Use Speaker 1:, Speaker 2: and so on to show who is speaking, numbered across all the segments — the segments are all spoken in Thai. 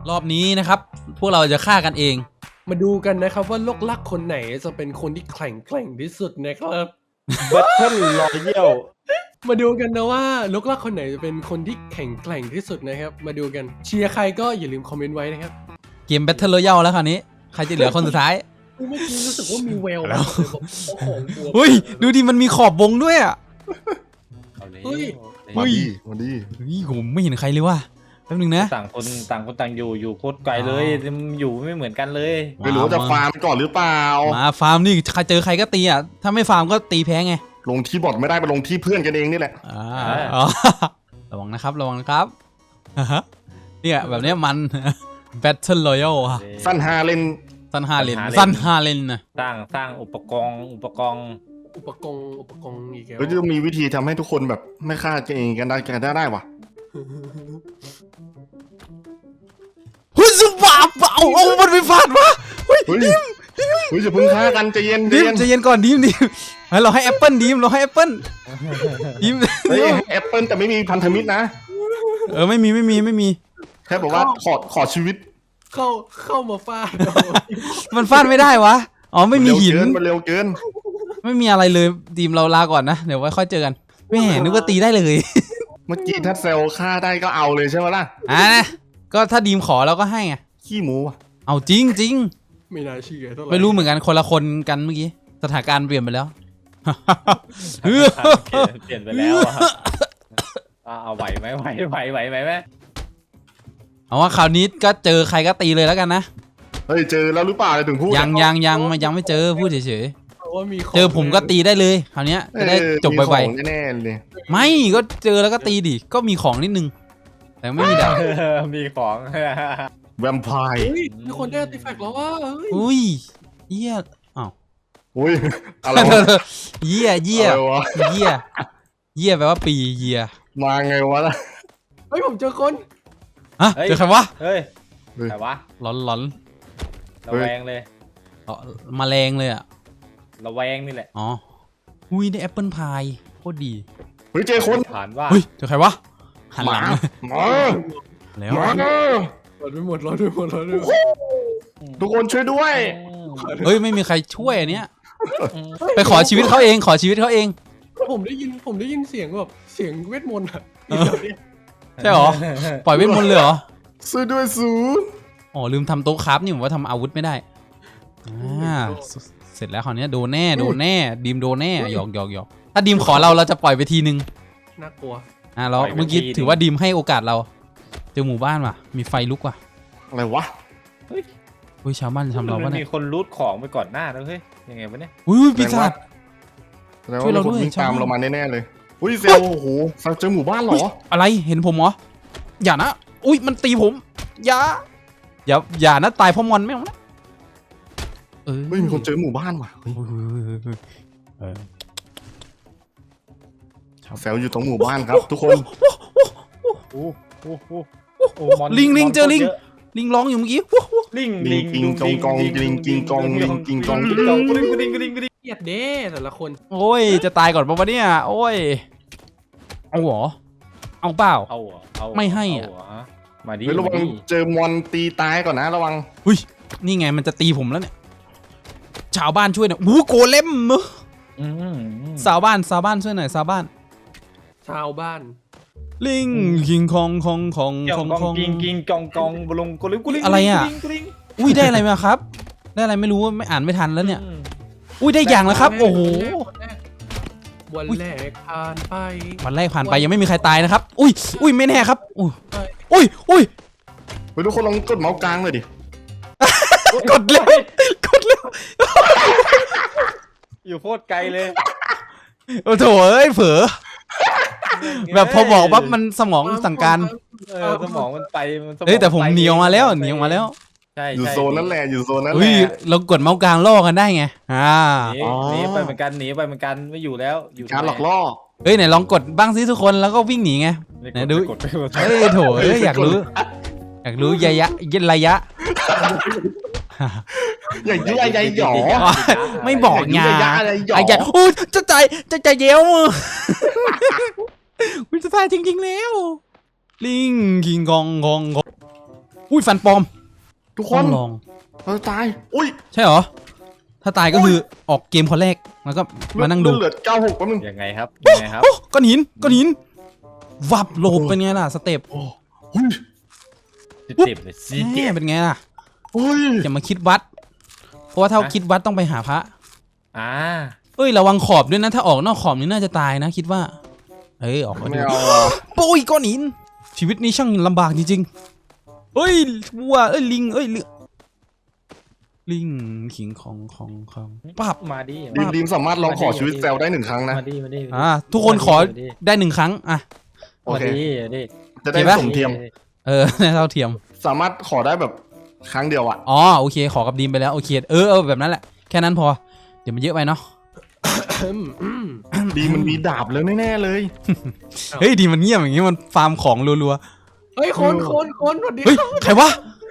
Speaker 1: รอบนี้นะครับพวกเราจะฆ่ากันเอง
Speaker 2: มาดูกันนะครับว่าลูกลักคนไหนจะเป็นคนที่แข็งที่สุดนะครับ
Speaker 3: Battle Royale
Speaker 2: มาดูกันนะว่าลูกลักคนไหนจะเป็นคนที่แข็งที่สุดนะครับมาดูกันเชียร์ใครก็อย่าลืมคอมเมนต์ไว้นะครับ
Speaker 1: เกม Battle Royale แล้วคราวนี้ใครจะเหลือคนสุดท้าย
Speaker 2: เมื่อกี้รู้สึกว่ามีแวว
Speaker 1: แล้ว
Speaker 2: ผมโอ้โหกลัว
Speaker 1: เฮ้ยดูดิมันมีขอบวงด้วยอ่ะ
Speaker 3: เอาเลย
Speaker 2: เฮ้ย
Speaker 1: เฮ้ย
Speaker 4: มาดี
Speaker 1: เฮ้ยผมไม่เห็นใครเลยว่ะแป๊บนึงนะ
Speaker 3: ต่างคนต่างอยู่โคตรไกลเลยอยู่ไม่เหมือนกันเลย
Speaker 4: ไม่รู้ว่าจะฟาร์มก่อนหรือเปล่า
Speaker 1: มาฟาร์มนี่ใครเจอใครก็ตีอ่ะถ้าไม่ฟาร์มก็ตีแพ้ไง
Speaker 4: ลงที่บอทไม่ได้ไปลงที่เพื่อนกันเองนี่แหละ
Speaker 1: อ๋อระวังนะครับระวังนะครับอ่าฮะเนี่ยแบบเนี้ยมัน Battle Royale อะ
Speaker 4: สั้น5เล่น
Speaker 1: สั้น5เลนสั้น5เลนนะ
Speaker 3: สร้างอุปกรณ์
Speaker 2: อุปกรณ์อีกแล้ว
Speaker 4: ก็จะมีวิธีทำให้ทุกคนแบบไม่ฆ่ากันเองกันได้วะ
Speaker 1: เฮ้ยสุบาบเอามันไปฟาดวะเฮ้ย
Speaker 4: เฮ้ยจะพึ่งฆ่ากันใจเย็น
Speaker 1: ดิมใจเย็นก่อนดิมให้เราให้แอปเปิลดิมเราให้แอปเปิลดิม
Speaker 4: เฮ้ยแอปเปิลแต่ไม่มีพันธมิตรนะ
Speaker 1: ไม่มี
Speaker 4: แค่บอกว่าขอชีวิต
Speaker 2: เข้ามาฟาด
Speaker 1: มันฟาดไม่ได้วะอ๋อไม่มีหิน
Speaker 4: มันเร็วเกิน
Speaker 1: ไม่มีอะไรเลยดิมเราลาก่อนนะเดี๋ยวไว้ค่อยเจอกันไม่เห็นนึกว่าตีได้เลย
Speaker 4: เมื่อกี้ถ้าเซลฆ่าได้ก็เอาเลยใช่ไหมล่ะ
Speaker 1: ก็ถ้าดีมขอเราก็ให้ไง
Speaker 4: ขี้หมูว่ะ
Speaker 1: เอาจริง
Speaker 2: ไม่น่าเชื่อเท่าไหร่
Speaker 1: ไม่รู้เหมือนกันคนละคนกันเมื่อกี้สถานการณ์เปลี่ยนไปแล้ว
Speaker 3: เปลี่ยนไปแล้วอะเอาไหวไหมไหม
Speaker 1: เอาว่าคราวนี้ก็เจอใครก็ตีเลยแล้วกันนะ
Speaker 4: เฮ้ยเจอแล้วหรือเปล่าเลยถึงพูด
Speaker 1: ยังไม่เจอพูดเฉย
Speaker 2: เพราะว่ามีขง
Speaker 1: ๆเจอผมก็ตีได้เลยคราวนี้จะได้จบ
Speaker 4: มี
Speaker 1: ไว
Speaker 4: ของแน่ๆเลย
Speaker 1: ๆไม่ก็เจอแล้วก็ตีดิก็มีของนิดนึง แต่ไม่มีดาบ
Speaker 3: มีของ
Speaker 4: แวมไพร์
Speaker 2: เฮ้ยมีคนได้อาร์ติแฟกต์แล้วว่าเฮ้ย
Speaker 1: อุ้ยเหี้ยอ้าว
Speaker 4: อุ้ยอะไรวะ
Speaker 1: เหี้ย
Speaker 4: อะไรวะ
Speaker 1: เหี้ยแปลว่าปีเหี้ย
Speaker 4: มาไงวะล่ะ
Speaker 2: เฮ้ยผมเจอคน
Speaker 1: ฮะเจอใครวะ
Speaker 3: เฮ้ยแต่ว่า
Speaker 1: หลอน
Speaker 3: ระแวงเลย
Speaker 1: แมลงเลยอ่ะ
Speaker 3: ระแวงนี่แหละ
Speaker 1: อ๋ออุ้ยได้แอปเปิลพายโคตรดี
Speaker 4: เฮ้ยเจอคน
Speaker 3: ผ่านว่า
Speaker 1: เฮ้ยเจอใครวะหัน
Speaker 4: ห
Speaker 1: ห
Speaker 4: มา
Speaker 1: ลัง
Speaker 4: หมา
Speaker 1: แล้ว
Speaker 4: หมา
Speaker 2: รอดไปหมด
Speaker 4: ทุกคนช่วยด้วย
Speaker 1: เฮ้ยไม่มีใครช่วยอันเนี้ยไปขอชีวิตเขาเองขอชีวิตเขาเอง
Speaker 2: ผมได้ยินเสียงแบบเสียงเวทมนต์อะ
Speaker 1: ใช่หรอปล่อยเวทมนต์เลยเหรอ
Speaker 4: ช่วยด้วยสู
Speaker 1: อ๋อลืมทำโต๊ะคราฟนี่ผมว่าทำอาวุธไม่ได้เสร็จแล้วคราวนี้โดนแน่ดีมโดนแน่หยอกถ้าดีมขอเราจะปล่อยไปทีนึง
Speaker 2: น่ากลัว
Speaker 1: แล้วเมื่อกี้ถือว่าดีมให้โอกาสเราเจอหมู่บ้านว่ะมีไฟลุกว่ะ
Speaker 4: อะไรวะ
Speaker 1: เฮ้ยชาวบ้านทำเราปะ
Speaker 3: มัน
Speaker 1: เนี่
Speaker 3: มี
Speaker 1: ย
Speaker 3: คนรูทของไปก่อนหน้าแล้วเฮ้ยยังไงวะเนี่ย
Speaker 1: อุ้ยปีศาจ
Speaker 4: แล้ว
Speaker 1: ช่วยเราด้วย
Speaker 4: วิ่งตาม
Speaker 1: ชาวบ้าน
Speaker 4: เรามาแน่ๆเลยอุ้ยเซลโอ้โหเจอหมู่บ้านเหรอ
Speaker 1: อะไรเห็นผมเหรออย่านะอุ้ยมันตีผมอย่านะตายเพราะมอนไม่เอานะ
Speaker 4: เฮ้ยมีคนเจอหมู่บ้านว่ะเฮ้ย เซลอยู่ตรงหมู่บ้านครับ ทุกคน
Speaker 1: ลิงเจอลิงร้องอยู่เมื่อกี้
Speaker 3: ลิง
Speaker 4: กิงกองกองลิงกิงกองลิงกิงกอง
Speaker 3: กูดิง
Speaker 2: เครียดเด้แต่ละคน
Speaker 1: โอ้ยจะตายก่อนปะวะเนี่ยโอ้ยเอาเหรอเอาเปล่า
Speaker 3: เอา
Speaker 1: ไม่ให้อะ
Speaker 3: มาดิ
Speaker 4: เฮ้ยระวังเจอมอนตีตายก่อนนะระวัง
Speaker 1: อุ้ยนี่ไงมันจะตีผมแล้วเนี่ยชาวบ้านช่วยหน่อยโอ้โกเลมชาวบ้านช่วยหน่อยชาวบ้าน
Speaker 2: ชาวบ้าน
Speaker 1: ลิงกิงคอง
Speaker 3: กิงกองบลงกูลิง
Speaker 1: อะไรอ่ะอุ้ยได้อะไรมาครับ ได้อะไรไม่รู้ไม่อ่านไม่ทันแล้วเนี่ยอุ้ยได้อย่างแล้วครับโอ้โห
Speaker 2: วันแรกผ่านไป
Speaker 1: วันแรกผ่านไปยังไม่มีใครตายนะครับอุ้ยไม่แน่ครับอุ้ย
Speaker 4: เฮ้ยทุกคนลองกดเมาส์กลางเลยดิ
Speaker 1: กดเร็ว
Speaker 3: อยู่โคตรไกลเลย
Speaker 1: โอ้โถเอ้ยเผลอแบบพอบอกปั๊บมันสมองสั่งการ
Speaker 3: สมองมันไป
Speaker 1: เฮ้ยแต่ผมหนีออกมาแล้ว
Speaker 3: ใช่
Speaker 4: อยู่โซนนั่นแหละอยู่โซนนั้นแห
Speaker 1: อุ้ย
Speaker 4: ละ
Speaker 1: เรากดเมาส์กลางล่อกันได้ไง
Speaker 3: หนีไปเหมือนกันไม่อยู่แล้วอยู่
Speaker 4: การหลอกล่อ
Speaker 1: เฮ้ยไหนลองกดบ้างสิทุกคนแล้วก็วิ่งหนีไงไหนดูเฮ้ยโถเอ้ยอยากรู้ระยะ
Speaker 4: อย่างนี้อะไรหยอ
Speaker 1: ไม่บอกไง
Speaker 4: ระยะอะไรหยอ
Speaker 1: ไอ้ใหญ่โอ้จะใจเย้วอุ้ยจะตายจริงๆแล้วลิงกิงกองอุ้ยฟันปลอม
Speaker 4: ทุกค
Speaker 1: ต้
Speaker 4: น
Speaker 1: องลอง
Speaker 4: เราตายอุ้ย
Speaker 1: ใช่เหรอถ้าตายก็คือออกเกมคนแรกแล้วก็มานั่งดู
Speaker 4: เหลือ96แป๊บนึง
Speaker 3: ยังไงครับยังไงครับ
Speaker 1: โอ้ก้อนหินก้อนหินวับโลบเป็นไงล่ะสเต็ป
Speaker 4: อุ้ย
Speaker 3: เจ็บเลยสิ
Speaker 1: แหม่เป็นไงล่ะ
Speaker 4: อุ้ย
Speaker 1: อย่ามาคิดวัด เพราะว่าถ้าคิดวัดต้องไปหาพระ
Speaker 3: อ่า
Speaker 1: เอ้ยระวังขอบด้วยนะถ้าออกนอกขอบนี่น่าจะตายนะคิดว่าเอ้ยออกมา
Speaker 4: ไม่
Speaker 1: ดู
Speaker 4: เอา
Speaker 1: โอ้ยก้อนหินชีวิตนี้ช่างลำบากจริงๆเอ้ยวัวเอ้ยลิงเอ้ยลิงขิงของปั๊บ
Speaker 3: มาดิ
Speaker 4: ดีมสามารถลองขอชีวิตแซลได้1 ครั้งนะ
Speaker 3: มาดิมาดิ
Speaker 1: ทุกคนขอได้1 ครั้งอ่ะ
Speaker 4: โอเค
Speaker 3: มาดิ
Speaker 4: จะได้
Speaker 1: เห็นปะ
Speaker 4: สมเทียม
Speaker 1: เท่าเทียม
Speaker 4: สามารถขอได้แบบครั้งเดียวอ่ะ
Speaker 1: อ๋อโอเคขอกับดีมไปแล้วโอเคแบบนั้นแหละแค่นั้นพอเดี๋ยวมันเยอะไปเนาะ
Speaker 4: ดีมันมีดาบแล้วแน่ๆเลย
Speaker 1: เฮ้ยดีมันเงียบอย่างงี้มันฟาร์มของรัว
Speaker 2: เฮ้ยคนสวัสดี
Speaker 1: ๆเฮ้ยใครวะ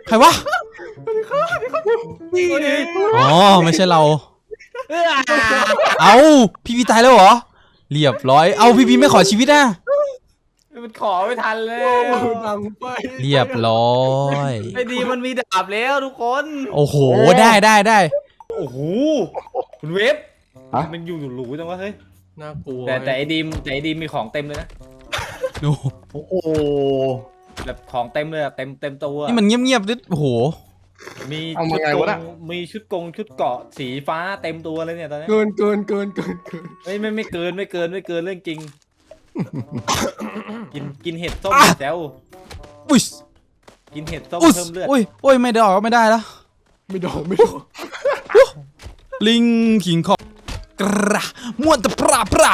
Speaker 2: นี่เอง
Speaker 1: อ๋อไม่ใช่เราเอาพี่ตายแล้วเหรอเรียบร้อยเอาพี่ไม่ขอชีวิตนะ
Speaker 3: มันขอไม่ทันเลย
Speaker 2: ดังไป
Speaker 1: เรียบร้อย
Speaker 3: ไม่ดีมันมีดาบแล้วทุกคน
Speaker 1: โอ้โหได้
Speaker 3: โอ้โหคุณเวฟมันอยู่หรูจังวะเฮ้ย
Speaker 2: น่ากลัว
Speaker 3: แต่ไอ้ดีมมีของเต็มเลยนะ
Speaker 1: ดู
Speaker 4: โอ้โห
Speaker 3: แบบของเต็มเลยอะเต็มตัว
Speaker 1: นี่มันเงียบๆดิโอ้โห
Speaker 3: มี
Speaker 4: เอา
Speaker 3: ชุ
Speaker 4: มา
Speaker 3: ด
Speaker 4: ไง
Speaker 3: ก
Speaker 4: วะ
Speaker 3: ง
Speaker 4: น่ะ
Speaker 3: มีชุดเกราะสีฟ้าเต็มตัวเลยเนี่ยตอนนี้
Speaker 2: เกิน
Speaker 3: ไม่เกินเรื่องจริง กินเห็ดส้มแซว
Speaker 1: อุ้ย
Speaker 3: กินเห็ดส้ม
Speaker 1: อุ้ย
Speaker 3: เพิ่มเลือด
Speaker 1: อุ้ยไม่ได้ออกไม่ได้แล้ว
Speaker 2: ไม่โดน
Speaker 1: ลิงขิงของกระม่วนตะปรา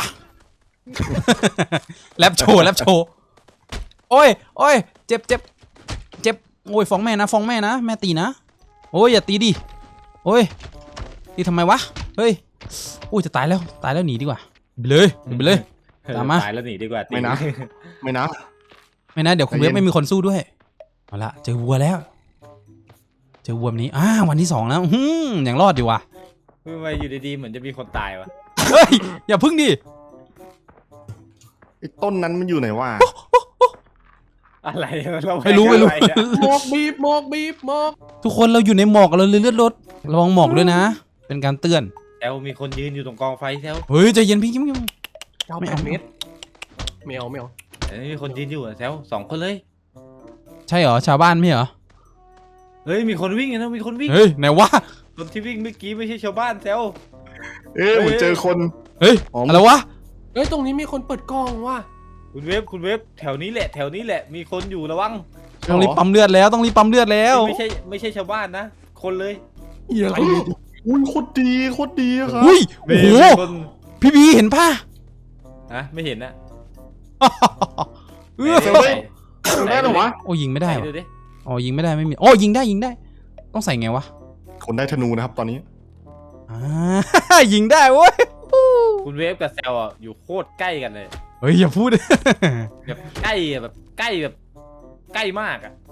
Speaker 1: แรปโชว์โอ้ยเจ็บโอ้ยฟ้องแม่นะแม่ตีนะโอ้ยอย่าตีดิโอ้ยตีทำไมวะเฮ้ยอุ้ยจะตายแล้วหนีดีกว่าไปเลย ตามมา
Speaker 3: ตายแล้วหนีดีกว่า
Speaker 4: ไม่นะ ไม่นะ
Speaker 1: ไม่นะเดี๋ยวคุณเวฟไม่มีคนสู้ด้วยเอาละเจอวัวแล้วเจอวัวแบบนี้วันที่2แล้วยังรอดอยู่ว่ะ
Speaker 3: ทำไมอยู่ดีๆเหมือนจะมีคนตายวะ
Speaker 1: เฮ้ยอย่าพึ่งดิ
Speaker 4: ไอ้ต้นนั้นมันอยู่ไหนวะ
Speaker 3: อะไรเรา
Speaker 1: ไม่รู้
Speaker 3: อะไรอะ
Speaker 2: หมอกบีบหมอก
Speaker 1: ทุกคนเราอยู่ในหมอกเราเลยเลือดรถระวังหมอกด้วยนะ เป็นการเตือน
Speaker 3: แซวมีคนยืนอยู่ตรงกองไฟแซว
Speaker 1: เฮ้ยใจเย็นพี่ยิ้ม
Speaker 2: เจ้า
Speaker 1: ไม่
Speaker 2: แป
Speaker 1: เอา
Speaker 2: ดเมตรไม่เอา
Speaker 3: มีคนยืนอยู่อะแซว2 คนเลย
Speaker 1: ใช่เหรอชาวบ้านไม่เหรอ
Speaker 3: เฮ้ยมีคนวิ่งนะมีคนวิ่ง
Speaker 1: เฮ้ยไหนวะ
Speaker 3: คนที่วิ่งเมื่อกี้ไม่ใช่ชาวบ้านแซว
Speaker 4: เหมือนเจอคน
Speaker 1: เฮ้ย
Speaker 4: อ๋ออ
Speaker 1: อะไรวะ
Speaker 2: เฮ้ยตรงนี้มีคนเปิดกล้องว่ะ
Speaker 3: คุณเวฟแถวนี้แหละมีคนอยู่ระวัง
Speaker 1: ต้องรีบปั๊มเลือดแล้วไม่
Speaker 3: ไม่ใช่ชาวบ้านนะ คนเลย
Speaker 2: อีอะไรเนี่ย
Speaker 4: อุ้ยโคตรดีอะครับ
Speaker 1: อุ้ยโอ้โห
Speaker 3: มีคน
Speaker 1: พี่บีเห็นป่ะ
Speaker 3: ไม่เห็นนะ
Speaker 1: เออ
Speaker 4: เซลได้ได้เหรอวะ
Speaker 1: โอ้ยิงไม่ได้
Speaker 3: ไหน
Speaker 1: วะ
Speaker 3: ดูดิ
Speaker 1: อ๋อยิงไม่ได้ไม่มีโอ้ยิงได้ต้องใส่ไงวะ
Speaker 4: คนได้ธนูนะครับตอนนี้
Speaker 1: ยิงได้เว้ย
Speaker 3: คุณเวฟกับแซวอ่ะอยู่โคตรใกล้กันเลย
Speaker 1: เฮ้ยอย่าพูด
Speaker 3: แบบใกล้อะแบบใกล้มากอ่ะ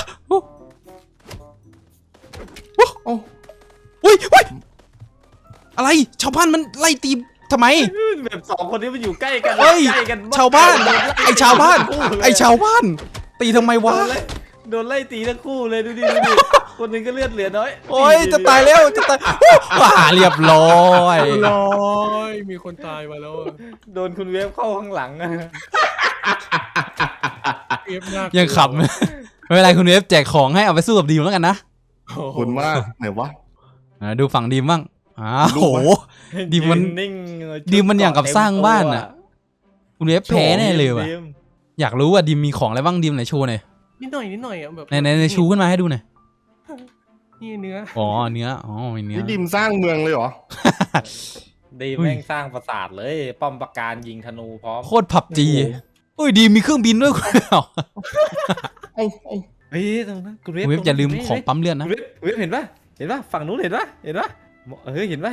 Speaker 1: อุ้ยอะไรชาวบ้านมันไล่ตีทำไม
Speaker 3: แบบ2 คนนี้มันอยู่ใกล้กัน
Speaker 1: เฮ้ย
Speaker 3: ใกล้กันมก
Speaker 1: ชาวบ้านไอชาวบ้าน
Speaker 3: เลย
Speaker 1: ไอชาวบ้าน ตีทำไมวะ
Speaker 3: โดนไล่ตีทั้งคู่เลยดูดิคนหนึงก็เลือดเหลือน้อย
Speaker 1: โอ้ยจะตายแล้วเรียบร้อย
Speaker 2: ร้อยมีคนตายมาแล้วอะ
Speaker 3: โดนคุณเวฟเข้าข้างหลังอะ
Speaker 2: เอฟมาก
Speaker 1: ยังขำไม่เป็นไรคุณเวฟแจกของให้เอาไปสู้กับดีมแล้วกันนะ
Speaker 2: โอ้
Speaker 4: ขอบ
Speaker 2: โห
Speaker 4: คุณมากไหนวะ
Speaker 1: ดูฝั่งดีมบ้างโห ดีมัน
Speaker 3: ยืนิ่ง
Speaker 1: ดีมันอย่างกับสร้างบ้านอะ คุณเวฟแพ้แน่เลยว่ะ
Speaker 3: ดีม
Speaker 1: อยากรู้ว่าดีมมีของอะไรบ้างดีมไหนโชว์หน่อย
Speaker 2: นิดหน่อยอ่ะแบบ
Speaker 1: ในชูขึ้นมาให้ดูหน่อย
Speaker 2: นี่เนื้อ
Speaker 1: อ๋อเนื้อมีเนื้อ
Speaker 4: นี่ดิมสร้างเมืองเลยเหรอ
Speaker 3: ดีมแม่งสร้างปราสาทเลย ป้อมปราการยิงธนูพร้อม
Speaker 1: โคตรผับจีอุ้ยดีมมีเครื่องบินด้วยคุณเวฟ
Speaker 4: เอ้า
Speaker 3: เฮ้ยตรงนั้นคุณเวฟ
Speaker 1: คุณเวฟอย่าลืมของปั๊มเลือดนะ
Speaker 3: คุณเวฟเห็นปะฝั่งนู้นเห็นปะเฮ้ยเห็นปะ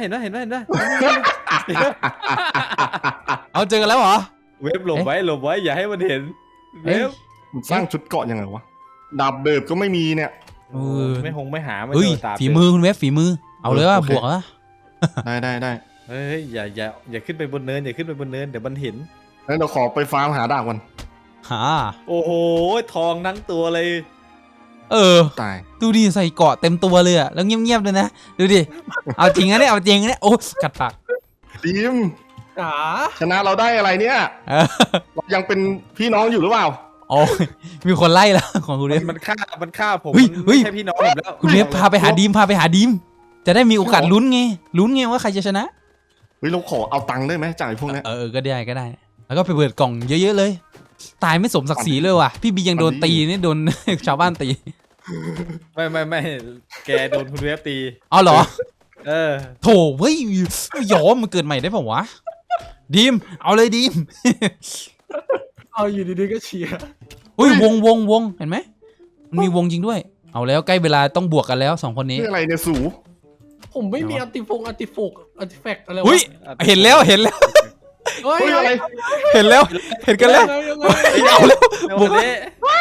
Speaker 1: เอาเจอกันแล้วเหรอ
Speaker 3: เวฟหลบไว้อย่าให้มันเห็นเวฟ
Speaker 4: มันสร้างชุดเกราะยังไงวะ ดาบเบิบก็ไม่มีเนี่ย
Speaker 1: เออ
Speaker 3: ไม่หาไม่
Speaker 1: เฮ้ย
Speaker 3: โดนตาม
Speaker 1: ฝีมือคุณเวฟฝีมือเอาเลยว่า
Speaker 4: โอเค
Speaker 1: บวกอะ
Speaker 4: ได้
Speaker 3: เฮ้ยอย่าขึ้นไปบนเนินเดี๋ยวมันเห็น
Speaker 4: งั้นเราขอไปฟาร์มหาดาบกัน
Speaker 1: หา
Speaker 3: โอ้โหทองทั้งตัวเลย
Speaker 4: ตาย
Speaker 1: ดูดิใส่เกราะเต็มตัวเลยอะแล้วเงียบๆเลยนะดูดิเอาจริงนะเนี่ยเอาจริงนะเนี่ยโอ้กัดปาก
Speaker 4: ดีม
Speaker 2: จ๋า
Speaker 4: ชนะเราได้อะไรเนี่ย
Speaker 1: เออ
Speaker 4: เรายังเป็นพี่น้องอยู่หรือเปล่า
Speaker 1: โอ้ยมีคนไล่แล้วของคุณเวฟ
Speaker 3: มันฆ่าผม
Speaker 1: เฮ้ยเฮ้ย
Speaker 3: ไม่ใช่พี่น้องผมแล้ว
Speaker 1: คุณเวฟพาไปหาดีมจะได้มีโอกาสลุ้นไงว่าใครจะชนะ
Speaker 4: เฮ้ยเราขอเอาตังค์ได้ไหมจากไอ้พวกเนี้ย
Speaker 1: ก็ได้ แล้วก็ไปเปิดกล่องเยอะๆเลย ตายไม่สมศักดิ์ศรีเลยว่ะพี่บียังโดนตีนี่โดน ชาวบ้านตี
Speaker 3: ไม่แกโดนคุณเวฟตี
Speaker 1: เอาเหรอ
Speaker 3: เออ
Speaker 1: โถเฮ้ยยอมมันเกิดใหม่ได้ป่าวะดีมเอาเลยดีม
Speaker 2: เอาอยู่ดีๆก็เชียร์
Speaker 1: อุ้ยวงเห็นไหมมันมีวงจริงด้วย เอาแล้วใกล้เวลาต้องบวกกันแล้วสองคนนี้
Speaker 4: นี่อะไรเนี่ยสู
Speaker 2: ผมไม่มีอัติแฟกต์อะไรวะ
Speaker 1: อุ้ยเห็นแล้ว
Speaker 2: เฮ้ย
Speaker 4: เฮ้ยอะไร
Speaker 1: เห็นกันแล้ว
Speaker 2: ยังไง
Speaker 1: เอาแล้ว
Speaker 3: บวกนี้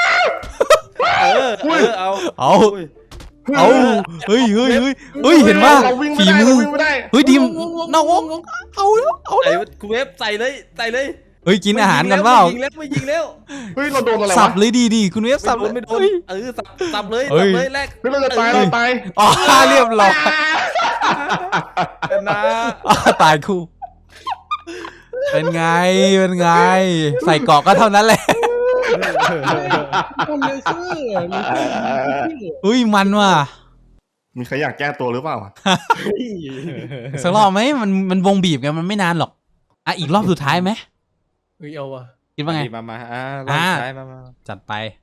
Speaker 3: เอา
Speaker 1: เอาเฮ้ยเห็นว่า
Speaker 4: เราวิ่งไม่
Speaker 1: ฝี
Speaker 4: ได้
Speaker 1: มื
Speaker 4: เรา
Speaker 1: อ
Speaker 4: วิ่งไม่ได้
Speaker 1: เฮ้ยดีม
Speaker 2: นอกวง
Speaker 1: เอาแล้ว
Speaker 3: ใส่คุณเวฟใส่เลย
Speaker 1: เฮ้ยกินอาหารกันเปล่า
Speaker 3: ไม่ยิงแล้ว
Speaker 4: เฮ้ยเราโดนอะไร
Speaker 1: สั
Speaker 4: วะ
Speaker 1: บเลยดีคุณเวฟสับ
Speaker 3: ไม่โดนสับเลย
Speaker 1: เฮ้ย
Speaker 3: แรก
Speaker 4: เฮ้ยเราจะตายเราตาย
Speaker 1: อ๋อเรียบร้อย
Speaker 3: นะ
Speaker 1: ตายคู่เป็นไงใส่เกาะก็เท่านั้นแหละ
Speaker 2: คนเลเซอร์
Speaker 1: อุ้ยมันว่ะ
Speaker 4: มีใครอยากแก้ตัวหรือเปล่า
Speaker 1: สักรอบไหมมันวงบีบไงมันไม่นานหรอกอ่ะอีกรอบสุดท้ายไหม
Speaker 2: เฮ้ยเอาว่ะ
Speaker 1: คิดว่าไง
Speaker 3: มารอบสุดท้ายมา
Speaker 1: จัดไป